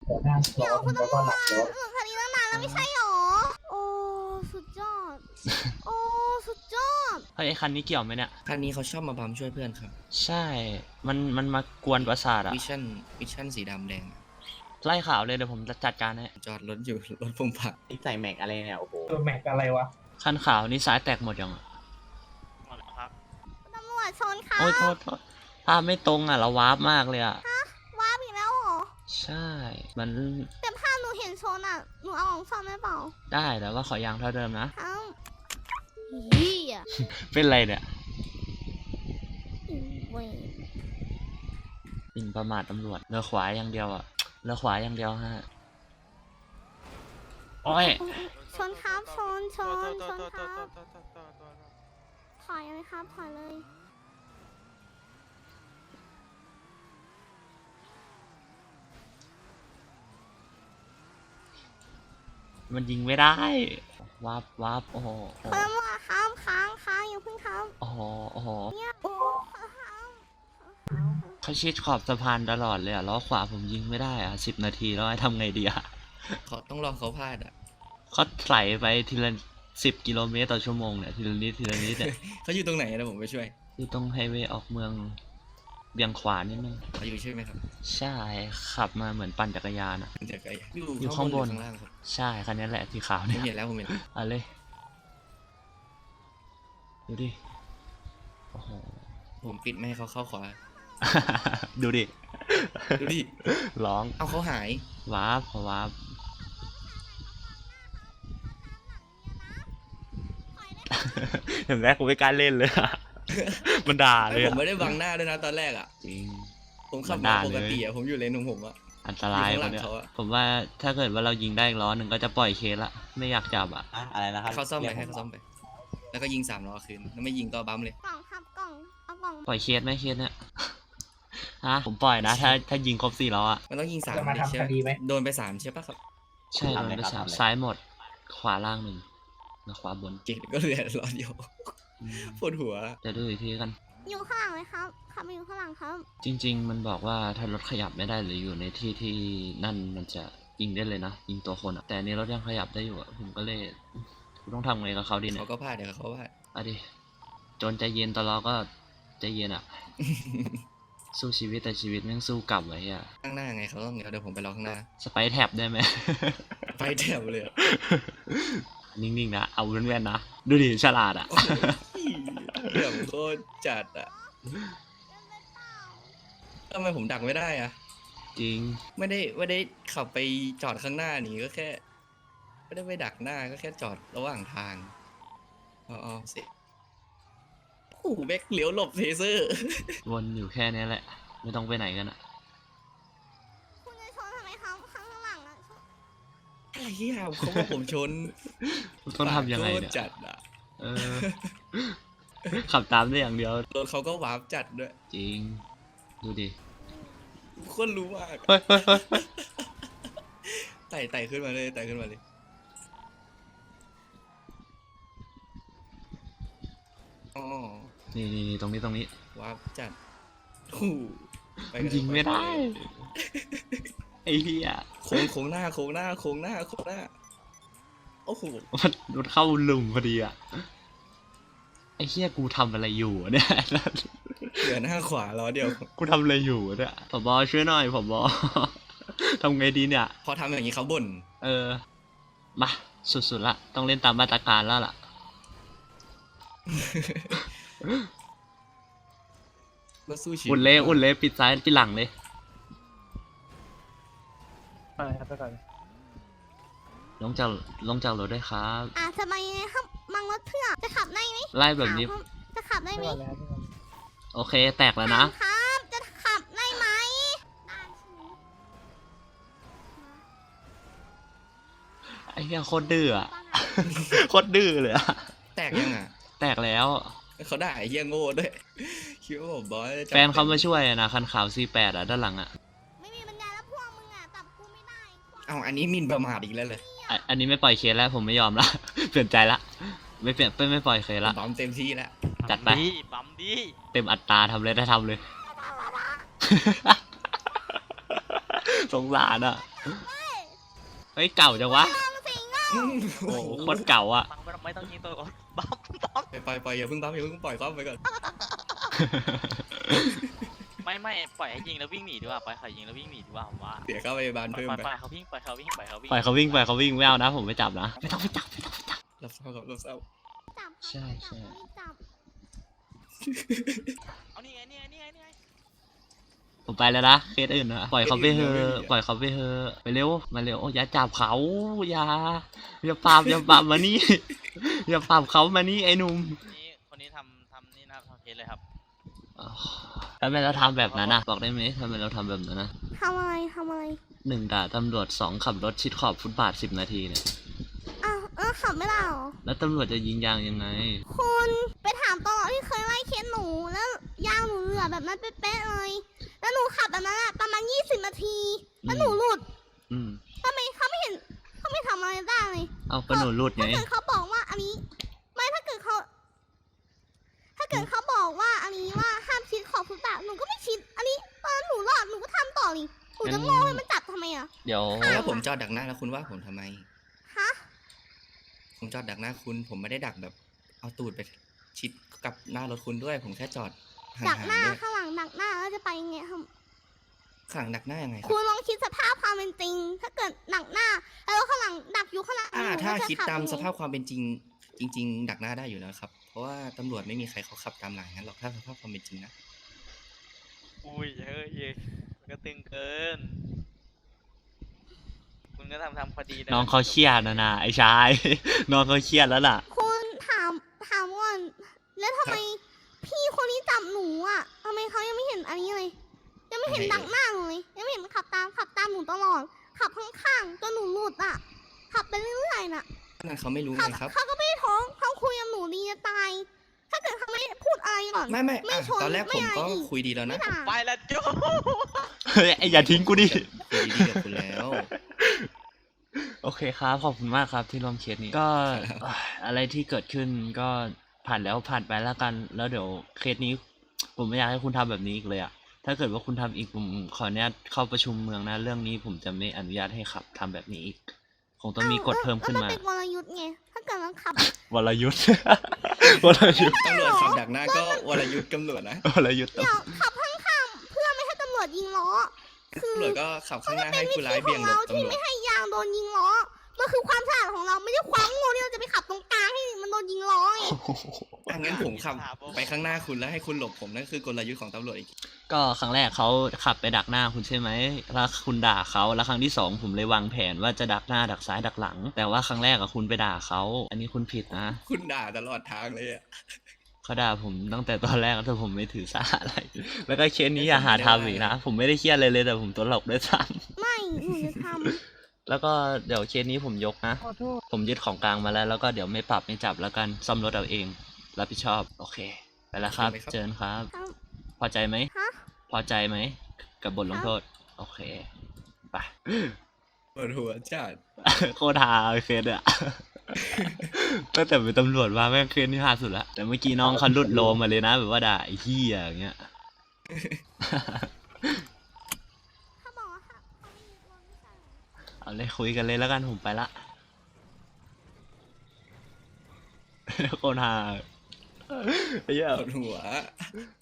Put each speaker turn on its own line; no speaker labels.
หัวหน้าร้อนแล้วก็หลับรถ
คดีตั้งนานแล้วไม่ใช่หรอโอ้สุดยอดโอ้สุดยอด
เฮ้ยไอ้คันนี้เกี่ยวไหมเนี่ย
คันนี้เขาชอบมาบัมช่วยเพื่อนครับ
ใช่ มันมากวนประสาทอะ
วิชั่นสีดำแดงอะ
ไล่ข่าวเลยเดี๋ยวผมจะจัดการให้
จอดรถอยู่ รถผมผัก
ใส่แม็กอะไรเนี่ยโอ้โห
แม็กอะไรวะ
คันขาวนี่ซ้ายแตกหมดยังอะ
ตำรวจชนค่ะ
โอ้ยโทษภาพไม่ตรงอะเราวาร์ปมากเลยอะ
ว้าบอีกแล้วเหรอ
ใช่ มัน
แต่ภาพหนูเห็นชนอ่ะหนูเอาของซ่อมได้เปล่า
ได้แต่ว่าขอยางเท่าเดิมนะ
ครับเฮีย
เป็นไรเนี่ย
เว้ย
หมิ่นประมาทตำรวจเรือขวาอย่างเดียวอะเรือขวาอย่างเดียวฮะโอ้ย
ชนครับชนครับถอยเลยครับถอยเลย
มันยิงไม่ได้วับโอ้โห
คุณตำรวจครับค้างอย่าเพิ่งครับ
โอ้โห
เนี่ยโอ้ครับ
เขาชิดขอบสะพานตลอดเลยอะล้อขวาผมยิงไม่ได้อะ10 นาทีแล้วให้ทำไงดีอะ
เขาต้องรอเขาพลาดอ่ะ
เขาไหลไปทีละ10 กิโลเมตรต่อชั่วโมงเนี่ยทีละนิดเนี่ย
เขาอยู่ตรงไหนนะผมไปช่วย
อยู่ตรงไฮเวย์ออกเมืองเบี่ยงขวานิดนึง
เขาอยู่ใช่ไหมครับ
ใช่ขับมาเหมือนปั่นจักรยานอะ
เดี๋ยวไกล
อ
อยู่ ยู่
ข้า
ข้างง
บบ น
นหรือข้างล่างครับ
ใช่คันนี้แหละสีขาว
ผ
เนี่ย
มเห็นแล้วผมเห็น
เอาเลยดูดิโอ้โห
ผมปิดไม่ให้เขาเข้าขวา
ดูดิ
ดูดิ
ร้อง
เอาเขาหาย
วาบเห็นไหมกูไม่กล้าเล่นเลยอะ มันด่าเลย
ผ
อะ
มไม่ได้บังหน้าด้วยนะตอนแรกอ่ะ
จริง
ผมขับ
มัน
มา
ด่า
ปกติ
เลย
อ่ะผมอยู่เลนของผมอ่ะ
อันตราย
อยู่
ค
ข้างหลั
น
ง
เนี้ย
เขาอะ
ผมว่าถ้าเกิดว่าเรายิงได้อีกล้อหนึ่งก็จะปล่อยเคสละไม่อยากจับอ่ะ
อะอะไรนะครับ
ให้เขาซ่อมไปให้เขาซ่อมไป แล้วก็ยิง3 ล้อคืนถ้าไม่ยิงก็บัมเลย
กล่องครับกล่องเอากล่อง
ปล่อยเคสไหมเคสเนี่ย ฮะผมปล่อยนะ ถ้ายิงครบ4ล้ออ่ะ
มันต้องยิง
จะ
3
มา
เลยใช่
ทำคดีไหม
โดนไป3ใช่ปะครับ
ใช่โดนไป3ซ้ายหมด ขวาล่าง1แล้วขวาบน
เกตก็เหลือล้อเดียวปวดหัว
เดี๋ยวดูอีกทีกัน
อยู่ข้างหลังเลยครับขับมาอยู่ข้างหลังครับ
จริง ๆ มันบอกว่าถ้ารถขยับไม่ได้หรืออยู่ในที่ที่นั่นมันจะยิงได้เลยนะยิงตัวคนอ่ะแต่อันนี้รถยังขยับได้อยู่อ่ะผมก็เลยกูต้องทำไงกับเขาดีเนี่
เขา
ย
ก็พลาดเดี๋ยวเขาพลาด
เอาดิจนใจเย็นตลอดก็ใจเย็นอ่ะ สู้ชีวิตแต่ชีวิตแม่งสู้กลับไว้อ่ะ
ข้างหน้าไงเขาต้องเดี๋ยวผมไปรอข้างหน้า
สไปร์แท็บได้ไหม
ไปแถวเลยอะ
นิ่งๆนะเอาแว่นๆนะดูดิฉลาดอ่ะ
เดี๋ยวโคตรจัดอ่ะทำไมผมดักไม่ได้อ่ะ
จริง
ไม่ได้ขับไปจอดข้างหน้านี่ก็แค่ ไม่ได้ไปดักหน้าก็แค่จอดระหว่างทางอ๋อเสร็จโอ้โหแบ็คเลี้ยวหลบเทเซอร์
วนอยู่แค่นี้แหละ ไม่ต้องไปไหนกันอ่ะ
คุณจะชนทำไมครับข้างหลังอ่ะชน
อะไรเหี้ยเขาบอกผมชน
ต้องทำยังไง
โคต
เนี่
ร
ย
จัดอ่ะ
เออ ขับตามได้อย่างเดียว
รถเขาก็วาร์ปจัดด้วย
จริง ดูดิ
คนรู้มาก
เฮ้ยเฮ้ยเฮ้ย
ไต่ขึ้นมาเลยไต่ขึ้นมาเลยอ๋อ
นี่ตรงนี้
วาร์ปจัดโอ้โหปกัน
ยิงไม่ได้
ป
ไอ้เหี้ย
โค้งหน้าโอ้โห
มันเข้าหลุมพอดีอ่ะ ไอ้เหี้ยกูทำอะไรอยู่อะเนี่ย
เหลือหน้าขวาล้อเดียว
กูทำอะไรอยู่อะเนี่ยผบช่วยหน่อยผบ ทำไงดีเนี่ย
พอทำอย่างนี้เขาบ่น
เออ มาสุดๆละ ต้องเล่นตามมาตรการแล้วล่ะ
ก็สู้ชีวิต
อุ่นเลยปิดซ้ายปิดหลังเลย
ไปครับไปก่อน
ลงจากรถด้วยครับ
จะมายังไงครับมังรถเพื่อจะขับได้ไหม
ไล่แบบนี้
ถามครับจะขับได้
ไป
ไหม
ก่อนแล้วไปก่อน
โอเค แตกแล้วนะ
ถามครับจะขับได้ไหมได้ใช่ไหม
ไอ้เหี้ยโคตรดื้ออะ โคตรดื้อเลยอะ
แตกยังอ่ะ
แตกแล้ว
เขาด่าไอ้เหี้ยโง่ด้วยคิดว่าผมบอยจะจับ
แฟนเขามาช่วยอะนะคันขาว C8 อะด้านหลังอะ
ไม่มีปัญญาแล้วพวกมึงอ่ะจับกูไม่ได้
เอาอันนี้หมินประมาทอีกแล้วเลย
อันนี้ไม่ปล่อยเคสแล้วผมไม่ยอมละ เปลี่ยนใจละ ไม่ปล่อยเคสละ
บัมเต็มที่แล้ว
จัดไป
ปั๊มดี
เต็มอัตราทำเลยได้ทำเลย สงสารอะเฮ้ยเก่าจังวะ
ตามสิงอ่ะ
โอ้โหโคตรเก่าอ่ะ
ไม่ต้องยิงตัวบัมบัม
ไปอย่าเพิ่งบัฟอย่าเพิ่งปล่อยเขาไปก่อน
ไม่ปล่อยให้ยิงแล้ววิ่งหนีดีกว่าปล่อยเขายิงแล้ววิ่งหนีดีกว่าผมว่า
เดี๋ยวเข้าไปบาน
ปล่
เพิ่มไป
อยเขาวิ่งปล่อยเขาวิ่ง
ปล่อยเขาวิ่งไม่เอานะ ผมไม่จับนะไม่ต้องไปจับ
รับเศร้าครับรับเศร้า
จับ
ใช่ใช่
จับ
เอานี่ไง
ผมไปแล้วนะเคสอื่นนะปล่อยเขาไปเถอะปล่อยเขาไปเถอะไปเร็วมาเร็วอย่าจับเขาอย่าปราบมานี่ อย่าปราบเขามานี่ไอ้หนุ่ม
คนนี้ทำนี่นะครับทำเคสเลยครับ
อ๋อทำไมเราทำแบบนั้นนะบอกได้ไหมทำไมเราทำแบบนั้นนะ
ทำอะไร
1 ด่าตำรวจ 2 ขับรถชิดขอบฟุตบาท10 นาทีเนี่ย
อ้าวขับไม่ได้หรอ
แล้วตำรวจจะยิงยางยังไง
คุณไปถามตลอดที่เคยไล่เคสหนูแล้วยางหนูเหลือแบบนั้นเป๊ะๆเลย แล้วหนูขับแบบนั้นอะประมาณ20 นาที แล้วหนูหลุด
อืม
ทำไมเขาไม่เห็นเขาไม่ทำอะไรได้เลย
เอาก็หนูรุดไง
ถ้าเกิดเขาบอกว่าอันนี้ ไม่ถ้าเกิดเขาบอกว่าอันนี้ว่าห้ามชิดขอบฟุตบาทหนูก็ไม่ชิด อันนี้ตอนหนูรอดหนูก็ทำต่อนี่หนูจะโง่ให้มันจับทำไมอะ
เดี๋ยว
แล้วผมจอดดักหน้าแล้วคุณว่าผมทำไม
ฮะ
ผมจอดดักหน้าคุณ ผมไม่ได้ดักแบบเอาตูดไปชิดกับหน้ารถคุณด้วย ผมแค่จอดห่า
ดัก
ง
หน้า
ๆด้วย
ข้างหลังดักหน้าแล้วจะไปยังไงครับ
ข้างหลังดักหน้ายังไงค
คุ
รับ
ณลองคิดสภาพความเป็นจริง ถ้าเกิดดักหน้า แล้วข้างหลังดักอยู่ข้างหลังหนู
ถ้า
จะ
คิด
ขับ
ตาม
ยังไง
สภาพความเป็นจริง จริง ๆ ดักหน้าได้อยู่แล้วครับ เพราะว่าตำรวจไม่มีใครเขาขับตามหลังงั้นหรอกถ้าสภาพความเป็นจริงนะ
อุ้ยเฮ้ยมันก็ตึงเกิน คุณก็ทำพอดี
น้องเขาเครียดนะไอ้ชาย น้องเขาเครียดแล้วล่ะ
คุณถามก่อนแล้วทำไมพี่คนนี้จับหนูอ่ะทำไมเขายังไม่เห็นอันนี้เลย ยังไม่เห็นดักหน้าหนูเลยยังไม่เห็นขับตามหนูตลอด ขับข้างๆจนหนูหลุดอ่ะ ขับไปเรื่อยๆน่ะ
นั่นเขาไม่รู้
ขั
ไงครับ
เขาก็ไม่ได้ท้องเขาคุยกับหนูดีจะตาย ถ้าเกิดเขาไม่พูดอะไรก่อน
ไม่
ไม่
อ่ะ
ชน
ตอนแรก
ไม่
ผม
อะไร
ก็
อีก
คุยดีแล้ว
ไม่
นะ
ด่า
ไปละจู
เฮ้ยไอ้อย่าทิ้งกูดิ
คุยดีกับคุณแล้ว
โอเคครับ ขอบคุณมากครับที่ร่วมเคสนี้ ก็ อะไรที่เกิดขึ้นก็ผ่านแล้วผ่านไปแล้วกัน แล้วเดี๋ยวเคสนี้ ผมไม่อยากให้คุณทำแบบนี้อีกเลยอะถ้าเกิดว่าคุณทำอีกผมขออนุญาตเข้าประชุมเมืองนะ เรื่องนี้ผมจะไม่อนุญาตให้ขับทำแบบนี้อีก คงต้องมีกฎเพิ่มขึ้น
แล้ว
มา
มันเป็นวรยุทธ์ไง ถ้าเกิดมันขับ
วรยุทธ์ วรยุทธ์
ตำรวจขับดักหน้าก็วรยุทธ์ตำรวจนะ
วรยุทธ์
เดี๋ยวขับข้างๆเพื่อไม่ให้ตำรวจยิงล้อ คือ
ตำรวจก็ขับข้างหน้าให้
วิ
ผู้
ธี
ร้าย
ข
เบี่
อย
ง
ง
หล
เรา
บ
ที่
ตำรวจ
ไม่ให้ยางโดนยิงล้อ มันคือความฉลาดของเราไม่ใช่ความโง่ที่เราจะไปขับตรงกลางให้มันโดนยิงล้อไง
งั้นผมขับไปข้างหน้าคุณแล้วให้คุณหลบผมนั่นคือกลยุทธ์ของตำรวจอีก
ก็ครั้งแรกเขาขับไปดักหน้าคุณใช่ไหมแล้วคุณด่าเขาแล้วครั้งที่ 2ผมเลยวางแผนว่าจะดักหน้าดักซ้ายดักหลัง แต่ว่าครั้งแรกอะคุณไปด่าเขา อันนี้คุณผิดนะ
คุณด่าตลอดทางเลยอ่ะ
เขาด่าผมตั้งแต่ตอนแรกแต่ผมไม่ถือสาอะไร แล้วก็เคสนี้อย่าหาทำอีกนะ ผมไม่ได้เครียดเลยแต่ผมตัวหลอกด้วยซ้
ไม่หนูจะท
ำแล้วก็เดี๋ยวเคสนี้ผมยกนะ
ขอโทษ
ผมยึดของกลางมาแล้วก็เดี๋ยวไม่ปรับไม่จับแล้วกันซ่อมรถเอาเอง รับผิดชอบ โอเค ไปแล้วครับ เจอกันครับ
ำครับ
พอใจไหม
ฮะ
พอใจไหม กับบทลงโทษ โอเค ไป
ปวดหัวจัด
โคตรฮาเคสอะ ตั้งแต่เป็นตำรวจมาแม่งเคสนี่ฮาสุดละ แต่เมื่อกี้น้องเขาหลุดโลมาเลยนะแบบว่าด่าไอ้เหี้ยอย่างเงี้ย
เขาบอกว่าค่ะเขาไม่มีรถไม่ใช่เหรอ
เอาเลยคุยกันเลยแล้วกันผมไปละ โคตรฮาไอ้เหี้ย
ปวดหัว